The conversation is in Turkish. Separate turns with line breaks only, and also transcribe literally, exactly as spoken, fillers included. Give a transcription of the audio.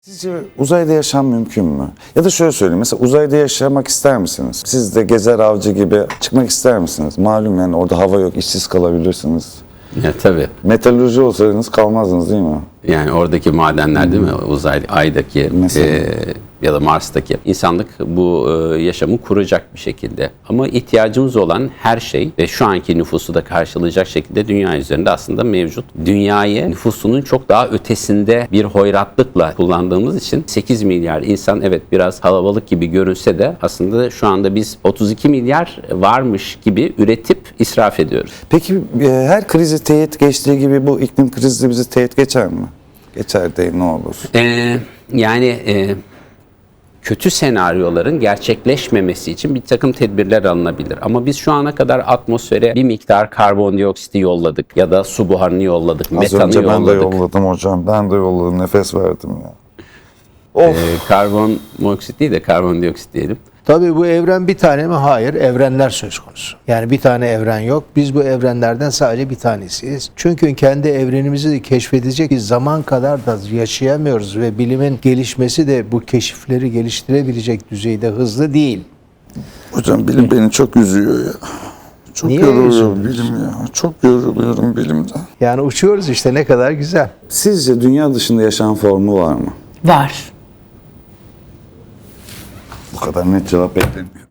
Sizce uzayda yaşam mümkün mü? Ya da şöyle söyleyeyim, mesela uzayda yaşamak ister misiniz? Siz de gezer avcı gibi çıkmak ister misiniz? Malum yani orada hava yok, işsiz kalabilirsiniz.
Ya tabii.
Metalürji olsaydınız kalmazdınız değil mi?
Yani oradaki madenler değil mi? Uzay, Ay'daki e, ya da Mars'taki insanlık bu e, yaşamı kuracak bir şekilde. Ama ihtiyacımız olan her şey ve şu anki nüfusu da karşılayacak şekilde dünya üzerinde aslında mevcut. Dünyayı nüfusunun çok daha ötesinde bir hoyratlıkla kullandığımız için sekiz milyar insan, evet biraz kalabalık gibi görünse de aslında şu anda biz otuz iki milyar varmış gibi üretip israf ediyoruz.
Peki e, her krizi teğet geçtiği gibi bu iklim krizi de bizi teğet geçer mi? Geçer değil, ne olur?
Ee, yani e, kötü senaryoların gerçekleşmemesi için bir takım tedbirler alınabilir. Ama biz şu ana kadar atmosfere bir miktar karbondioksiti yolladık ya da su buharını yolladık,
Az
metanı
önce ben de
yolladık.
yolladım hocam. Ben de yolladım. Nefes verdim ya. Of.
Ee, karbon monoksit değil de karbondioksit diyelim.
Tabii bu evren bir tane mi? Hayır. Evrenler söz konusu. Yani bir tane evren yok. Biz bu evrenlerden sadece bir tanesiyiz. Çünkü kendi evrenimizi de keşfedecek bir zaman kadar da yaşayamıyoruz ve bilimin gelişmesi de bu keşifleri geliştirebilecek düzeyde hızlı değil.
Hocam bilim beni çok üzüyor ya. Çok
Niye
yoruluyorum
üzülüyorsun?
bilim ya. Çok yoruluyorum bilimden.
Yani uçuyoruz işte, ne kadar güzel.
Sizce dünya dışında yaşam formu var mı?
Var.
Bu kadar net cevap beklemiyorum.